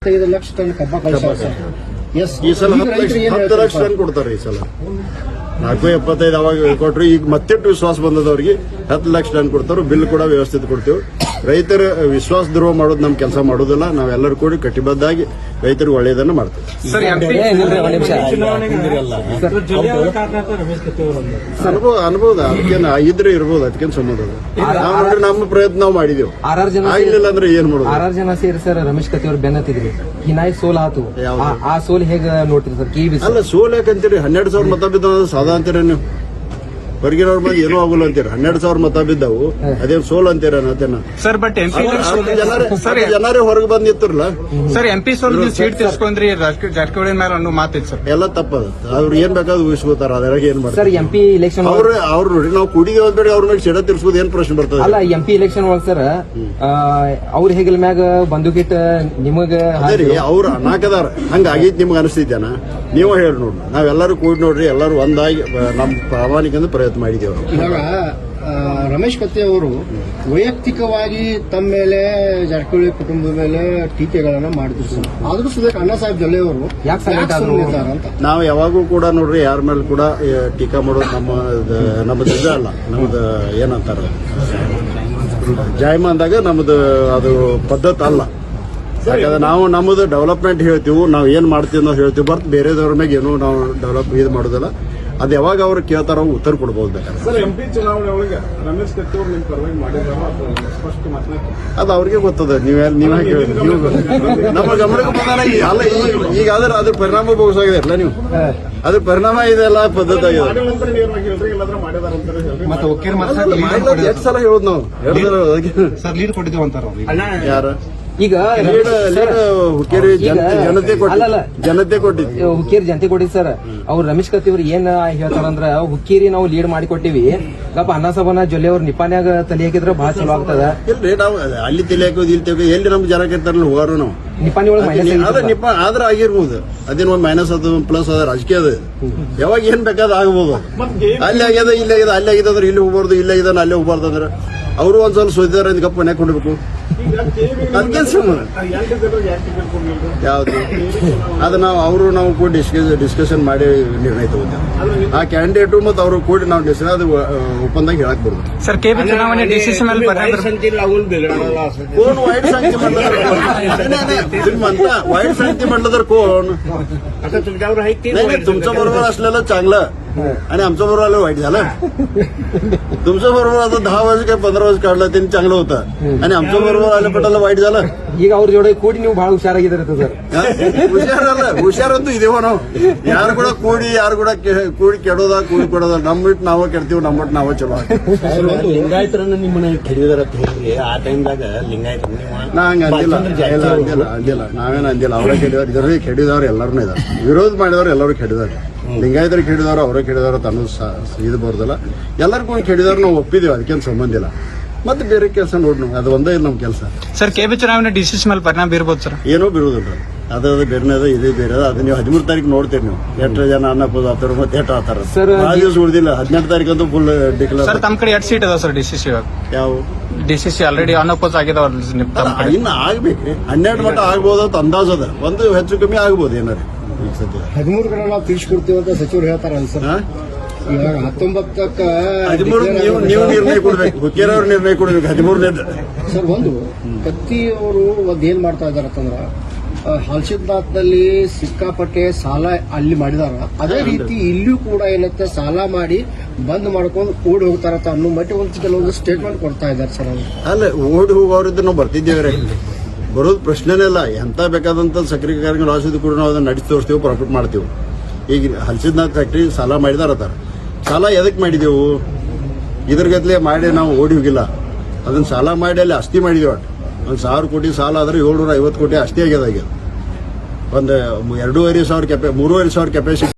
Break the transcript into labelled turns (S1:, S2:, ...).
S1: 5 lakh ton ಕಬ್ಬ ಕಳಿಸ್ತಾರೆ.
S2: ಈ ಸಲ 10 ಲಕ್ಷ ಟನ್ ಕೊಡ್ತಾರೆ. ಈ ಸಲ 4.75 ಅವಾಗ ಕೊಟ್ರು. ಈಗ ಮತ್ತೆ ವಿಶ್ವಾಸ ಬಂದದವ್ರಿಗೆ 10 ಲಕ್ಷ ಟನ್ ಕೊಡ್ತಾರೆ. ಬಿಲ್ ಕೂಡ ವ್ಯವಸ್ಥಿತ ಕೊಡ್ತೀವಿ. ರೈತರ ವಿಶ್ವಾಸ ದ್ರೋಹ ಮಾಡೋದು ನಮ್ಮ ಕೆಲಸ ಮಾಡೋದಿಲ್ಲ. ನಾವೆಲ್ಲರೂ ಕೂಡಿ ಕಟಿಬದ್ಧಾಗಿ ರೈತರಿಗೆ ಒಳ್ಳೆಯದನ್ನು ಮಾಡ್ತೀವಿ. ಅನುಭವ ಅದಕ್ಕೇನು ಇದ್ರೆ ಇರ್ಬೋದು, ಅದಕ್ಕೇನು ಸಂಬಂಧ ನಾವು ನೋಡ್ರಿ ನಮ್ಮ ಪ್ರಯತ್ನ ನಾವು ಮಾಡಿದೆವು. ಆಗ್ಲಿಲ್ಲ ಅಂದ್ರೆ ಏನ್ ಮಾಡೋದು.
S3: 6 ಜನ ಸೇರಿ ಸರ್ ರಮೇಶ್ ಕತ್ತಿ ಅವ್ರು ಬೆನ್ನತ್ತಿದ್ರಿ. ಹಿನಾಯಿ ಸೋಲ್ ಆತು. ಆ ಸೋಲ್ ಹೇಗ ನೋಡ್ತೀರಿ ಸರ್?
S2: ಅಲ್ಲ, ಸೋಲ್ ಯಾಕಂತೀರಿ? 12,000 ಮತ ಬಿದ್ದ ಸಾದಾ ಅಂತೀರ ನೀವು? ಹೊರಗಿನವ್ರ ಮಂದಿ ಏನೂ ಆಗುಲ್ಲ ಅಂತೀರ. 12,000 ಮತ ಬಿದ್ದವು, ಅದೇನು ಸೋಲ್ ಅಂತೀರ?
S4: ಸರ್ ಬಟ್
S2: ಜನರೇ ಹೊರಗೆ ಬಂದ್ ನಿಂತಿರಲ್ಲ
S4: ಸರ್. MP ಸೋಲ್ ಸೀಟ್ ತಿರ್ಸ್ಕೊಂಡ್ರಿ ಜಾರಕಿಹೊಳಿ ಮೇಲೆ ಅನ್ನೋ ಮಾತಿತ್ತು ಸರ್.
S2: ಎಲ್ಲ ತಪ್ಪದ. ಅವ್ರು ಏನ್ ಬೇಕಾದ್ರು ಊಹಿಸ್ಕೋತಾರ, ಅದ್ರಾಗ ಏನ್ ಮಾಡ್ತಾರೆ.
S3: ಸರ್ MP ಇಲೆಕ್ಷನ್
S2: ಅವ್ರು ನೋಡಿ, ನಾವು ಕುಡಿಗೆ ಹೋದ್ಬೇಡಿ ಅವ್ರ ಮೇಲೆ ಸಿಡ ತಿರ್ಸ್ಬೋದು, ಏನ್ ಪ್ರಶ್ನೆ ಬರ್ತದೆ?
S3: ಅಲ್ಲ, MP ಇಲೆಕ್ಷನ್ ಒಳಗ್ ಸರ್ ಅವ್ರ ಹೆಗಲ್ ಮ್ಯಾಗ ಬಂದೂಕಿಟ್ ನಿಮಗ
S2: ಅವ್ರು ಅನಾಕದಾರ. ಹಂಗ ಆಗೈತಿ ನಿಮ್ಗೆ ಅನಿಸ್ತೈತೇನ? ನೀವು ಹೇಳಿ ನೋಡ್ರಿ. ನಾವೆಲ್ಲರೂ ಕೂಡಿ ನೋಡ್ರಿ, ಎಲ್ಲರೂ ಒಂದಾಗಿ ನಮ್ಮ ಪ್ರಾಮಾಣಿಕ ಪ್ರಯತ್ನ ಮಾಡಿದ್ದೇವೆ.
S1: ಇವಾಗ ರಮೇಶ್ ಕತ್ತಿ ಅವರು ವೈಯಕ್ತಿಕವಾಗಿ ತಮ್ಮ ಮೇಲೆ, ಜಾರಕಿಹೊಳಿ ಕುಟುಂಬದ ಮೇಲೆ ಟೀಕೆಗಳನ್ನ ಮಾಡಿದ್ರು ಸರ್. ಆದ್ರೂ ಸುದೇಶ್ ಅಣ್ಣಾ ಸಾಹೇಬ್ ಜೊಲ್ಲೆ ಅವರು ಅಂತ
S2: ನಾವು ಯಾವಾಗೂ ಕೂಡ ನೋಡ್ರಿ, ಯಾರ ಮೇಲೆ ಕೂಡ ಟೀಕಾ ಮಾಡೋದು ನಮ್ಮದು ನಿಜ ಅಲ್ಲ. ನಮ್ದು ಏನಂತಾರ ಜಾಯಮ ಅಂದಾಗ ನಮ್ದು ಅದು ಪದ್ಧತಿ ಅಲ್ಲ. ಯಾಕಂದ್ರೆ ನಾವು ನಮ್ಮದು ಡೆವಲಪ್ಮೆಂಟ್ ಹೇಳ್ತೀವಿ, ನಾವು ಏನ್ ಮಾಡ್ತೀವಿ ಅನ್ನೋದು ಹೇಳ್ತೀವಿ. ಬರ್ತ್ ಬೇರೆದವ್ರ ಮ್ಯಾಗ ಏನೂ ನಾವು ಡೆವಲಪ್ ಇದು ಮಾಡೋದಿಲ್ಲ. ಅದು ಯಾವಾಗ ಅವ್ರು ಕೇಳ್ತಾರ ಉತ್ತರ ಕೊಡ್ಬೋದು ಬೇಕಾದ್ರೆ. ಅದು ಅವ್ರಿಗೆ ಗೊತ್ತದ. ನೀವ್ ಹೇಳಿ ನಮ್ಮ ಗಮನಕ್ಕೆ ಬಂದಾಗ ಅಲ್ಲ, ಈಗ ಅದ್ರ ಪರಿಣಾಮ ಬೋಗಿಸಾಗಿದೆ ಅಲ್ಲ ನೀವು. ಅದ್ರ ಪರಿಣಾಮ ಇದೆಲ್ಲ ಪದ್ಧತಿ ಆಗಿದೆ. ಎಷ್ಟು ಸಲ ಹೇಳೋದು ನಾವು
S4: ಲೀಡ್ ಕೊಟ್ಟಿದ್ದೇವೆ ಅಂತಾರ
S2: ಯಾರ
S3: ಈಗ
S2: ಹುಕ್ಕೇರಿ ಜನತೆ ಕೊಟ್ಟಿದ್ವಿ.
S3: ಹುಕ್ಕೇರಿ ಜನತೆ ಕೊಟ್ಟಿದ್ ಸರ್. ಅವ್ರು ರಮೇಶ್ ಕತ್ತಿ ಅವ್ರು ಏನ್ ಹೇಳ್ತಾರಂದ್ರ, ಹುಕ್ಕೇರಿ ನಾವು ಲೀಡ್ ಮಾಡಿ ಕೊಟ್ಟಿವಿ, ಗಪ್ಪ ಅನ್ನಸಭನ ಜೊಲ್ಲೆ ಅವ್ರ ನಿಪಾನ್ಯಾಗ ತಲೆ ಹಾಕಿದ್ರ ಬಹಳ ಚಲೋ ಆಗ್ತದ.
S2: ಇಲ್ರಿ, ನಾವು ಅಲ್ಲಿ ತಲೆ ಹಾಕೋದು ಇಲ್ಲಿ ತಲೆ ಎಲ್ಲಿ ನಮ್ಗೆ ಜನ ಇರ್ತಾರಲ್ಲ ಹೋಗಾರು ನಾವು
S3: ನಿಪಾನಿ ಒಳಗೆ
S2: ಆದ್ರೆ ಆಗಿರ್ಬೋದು. ಅದೇನು ಒಂದು ಮೈನಸ್ ಅದು ಪ್ಲಸ್ ಅದ ರಾಜಕೀಯ ಅದ. ಯಾವಾಗ ಏನ್ ಬೇಕಾದ ಆಗ್ಬೋದು. ಅಲ್ಲಿ ಆಗ್ಯದ, ಇಲ್ಲಿ ಆಗ್ಯದ, ಅಲ್ಲಿ ಆಗಿದ ಅಂದ್ರೆ ಇಲ್ಲಿ ಹೋಗ್ಬಾರ್ದು, ಇಲ್ಲಿ ಆಗಿದ ಅಲ್ಲೇ ಹೋಗ್ಬಾರ್ದು ಅಂದ್ರೆ ಅವರು ಒಂದ್ಸಲ ಸೋದಿದಾರ ಅಂತ ಗಪ್ಪ ಮನೆ ಕೊಡ್ಬೇಕು. ಅದಕ್ಕೇನ್ ಸಂಬಂಧ ಯಾವ್ದು? ಅದು ನಾವು ಕೂಡ ಡಿಸ್ಕಷನ್ ಮಾಡಿ ನಿರ್ಣಯ ತಗೋತೇವೆ. ಆ ಕ್ಯಾಂಡಿಡೇಟು ಮತ್ತು ಅವರು ಕೂಡಿ ನಾವು ಡಿಸ್ಕಷನ್ ಅದು ಒಪ್ಪಂದಾಗ ಹೇಳಕ್ ಬರುದು.
S4: ಸರ್, ಕೆಬಿ ಚುನಾವಣೆ ಡಿಸಿಷನ್ ಮೇಲೆ
S2: ವೈಟ್ ಶಾಂತಿ म्हटलं कोण तुमच्या बरोबर असलेलं चांगलं आणि आमच्या बरोबर आलं वाईट झालं. तुमच्या बरोबर आता 10 वर्ष काय 15 वर्ष काढलं त्यांनी चांगलं होतं आणि आमच्या बरोबर आलं पटाला वाईट झालं.
S3: ಈಗ ಅವ್ರ ಜೋಡಿ ಕೂಡಿ ನೀವು ಬಹಳ ಹುಷಾರಾಗಿದ್ದೀರ ಸರ್.
S2: ಹುಷಾರಂತೂ ಇದೇವ ನಾವು. ಯಾರು ಕೂಡ ಕೂಡಿ ಕೂಡಿ ಕೆಡೋದ, ಕೂಡಿ ಕೊಡೋದ. ನಮ್ಬಿಟ್ಟು ನಾವೇ ಕೆಡ್ತೀವಿ, ನಮ್ಬಿಟ್ಟು ನಾವೇ ಚಲೋ.
S5: ಲಿಂಗಾಯತರನ್ನ ನಿಮ್ಮನ್ನ ಕೆಡಿದಾರ ಅಂತ ಹೇಳಿ ಆ ಟೈಮ್ದಾಗ ಲಿಂಗಾಯತ
S2: ನಾ ಹಂಗ ಅಂದಿಲ್ಲ. ನಾವೇನು ಅಂದಿಲ್ಲ. ಅವರೇ ಕೆಡಿದವ್ರು, ಇದರಲ್ಲಿ ಕೆಡಿದವ್ರು ಎಲ್ಲರೂ ಇದಾರೆ. ವಿರೋಧ ಮಾಡಿದವ್ರು ಎಲ್ಲರೂ ಕೆಡಿದಾರೆ. ಲಿಂಗಾಯತರು ಕೆಡಿದವ್ರು, ಅವರೇ ಕೆಡಿದವ್ರು ತನ್ನೂ ಇದು ಬರೋದಿಲ್ಲ. ಎಲ್ಲರಿಗೂ ಕೆಡಿದವ್ರು ನಾವು ಒಪ್ಪಿದೇವೆ, ಅದಕ್ಕೇನು ಸಂಬಂಧ ಇಲ್ಲ. ಮತ್ತೆ ಬೇರೆ ಕೆಲಸ ನೋಡ್, ಅದು ಒಂದೇ ಇಲ್ಲ ನಮ್ಮ ಕೆಲಸ.
S4: ಸರ್, ಕೆಬಿ ಚುನಾವಣೆ ಡಿಸಿಷನ್ ಮೇಲೆ ಪರಿಣಾಮ ಬೀರ್ಬೋದು ಸರ್?
S2: ಏನೋ ಬೀರುದಿಲ್ಲ. ಅದು ಬೇರೆ ಅದ, ಇದೇ ಬೇರೆ ಅದ. ಅದು ನೀವು 13 ತಾರೀಕು ನೋಡ್ತೀರಿ ನೀವು ಎಷ್ಟು ಜನ ಅನ್ನಪೋದು ಆತಾರ, ಮತ್ತೆ ಎಷ್ಟು ಆತಾರ. ದಿವಸ ಉಳಿದಿಲ್ಲ. 18 ತಾರೀಕು ಫುಲ್ ಡಿಕ್ಲೇರ್.
S4: ಸರ್, ತಮ್ಮ ಕಡೆ 2 ಸೀಟ್ ಅದಾವ ಸರ್ ಡಿಸಿಸಿ.
S2: ಯಾವ
S4: ಡಿಸಿಸಿ ಆಲ್ರೆಡಿ ಅನಪೋಸ್ ಆಗಿದಾವ.
S2: ಇನ್ನು ಆಗ್ಬೇಕು. 12 ಮಟ್ಟ ಆಗ್ಬೋದು ಅಂತ ಅಂದಾಜ್ ಅದ. ಒಂದು ಹೆಚ್ಚು ಕಮ್ಮಿ ಆಗ್ಬೋದು ಏನಾರು. ಈಗ ಸದ್ಯ
S1: 13 ನಾವು ತಿಳಿಸ್ಕೊಡ್ತೀವಿ ಅಂತ ಸಚಿವರು ಹೇಳ್ತಾರ ಸರ್. ಇವಾಗ 19ಕ್ಕೆ
S2: 13 ನೀವು ನಿರ್ಣಯ ಕೊಡ್ಬೇಕು. ಹುಕ್ಕೇರವ್ರ ನಿರ್ಣಯ ಕೊಡ್ಬೇಕು. 13ನೇ
S1: ಸರ್. ಒಂದು ಕತ್ತಿ ಅವರು ಏನ್ ಮಾಡ್ತಾ ಇದಾರ ಅಂತಂದ್ರ, ಹಲ್ಸಿದ್ನಾಥ್ನಲ್ಲಿ ಸಿಕ್ಕಾಪಟ್ಟೆ ಸಾಲ ಅಲ್ಲಿ ಮಾಡಿದಾರ. ಅದೇ ರೀತಿ ಇಲ್ಲೂ ಕೂಡ ಏನತ್ತೆ, ಸಾಲ ಮಾಡಿ ಬಂದ್ ಮಾಡ್ಕೊಂಡು ಓಡಿ ಹೋಗ್ತಾರತ್ತ ಅನ್ನೋ ಮಟ್ಟಿ ಒಂದು ಕೆಲವೊಂದು ಸ್ಟೇಟ್ಮೆಂಟ್ ಕೊಡ್ತಾ ಇದಾರೆ ಸರ್.
S2: ಅಲ್ಲ, ಓಡಿ ಹೋಗೋರಿದ್ದು ನಾವು ಬರ್ತಿದ್ದೇವೆ. ಬರೋದು ಪ್ರಶ್ನೆನೇ ಇಲ್ಲ. ಎಂತ ಬೇಕಾದಂತ ಸಕ್ಕರೆ ಕಾರ್ಯಕ್ರಮ ಲಾಸಿದ್ದು ಕೂಡ ನಾವು ಅದನ್ನ ನಡೆಸಿ ತೋರಿಸ್ತೀವಿ, ಪ್ರಾಫಿಟ್ ಮಾಡ್ತೀವಿ. ಈಗ ಹಲ್ಸಿದ್ನಾಥ್ ಫ್ಯಾಕ್ಟ್ರಿ ಸಾಲ ಮಾಡಿದಾರತ್ತಾರ. ಸಾಲ ಎದಕ್ ಮಾಡಿದೆವು? ಇದ್ರ ಗದ್ಲೆ ಮಾಡಿ ನಾವು ಓಡಿ ಹೋಗಿಲ್ಲ. ಅದನ್ನ ಸಾಲ ಮಾಡಿ ಅಲ್ಲಿ ಆಸ್ತಿ ಮಾಡಿದೆವು. 1,000 ಕೋಟಿ ಸಾಲ ಆದ್ರೆ 750 ಕೋಟಿ ಆಸ್ತಿ ಆಗ್ಯದ. ಒಂದು 2,500 3,500 ಕೆಪಾಸಿಟಿ